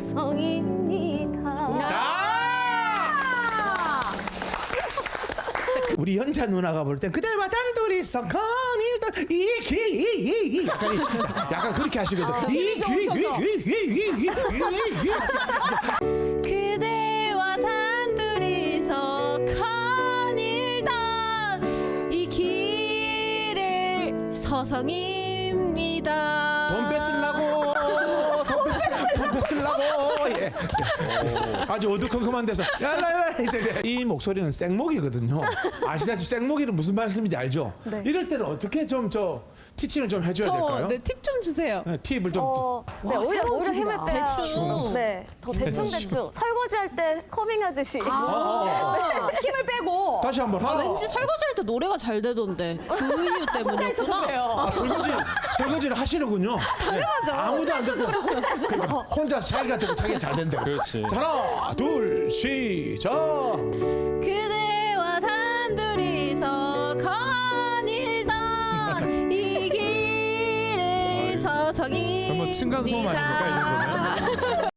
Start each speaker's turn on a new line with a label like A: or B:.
A: 서성입니다.
B: 우리 연자 누나가 볼 땐 그대와 단둘이서 거닐던 이기 약간 그렇게 하시거든.
A: 그대와 단둘이서 거닐던 이 길을 서성입니다.
B: 돈 뺏으려고 돈 뺏으려고 예. 아주 어두컴컴한 데서 얄랄랄 이제 이 목소리는 생목이거든요. 아시다시피 생목이는 무슨 말씀인지 알죠?
C: 네.
B: 이럴 때는 어떻게 좀 티칭을 좀 해줘야 될까요?
A: 네, 팁 좀 주세요.
B: 네, 팁을 좀
C: 네, 오히려 힘을 빼야
A: 대충.
C: 네, 더 대충 설거지 할 때 커밍하듯이
D: 힘을 빼고.
B: 다시 한번 하나.
A: 왠지 설거지할 때 노래가 잘 되던데 그 이유 때문이었구나.
B: 설거지를 하시는군요. 당연하죠. 아무도 안 듣고 혼자 자기가 듣고 자기가 잘 된다.
E: 그렇지.
B: 자, 하나, 둘, 시작.
A: 그대와 단둘이서 거닐던 이 길을 서성입니다.
E: 뭐 층간소음 아닙니까 이 정도면?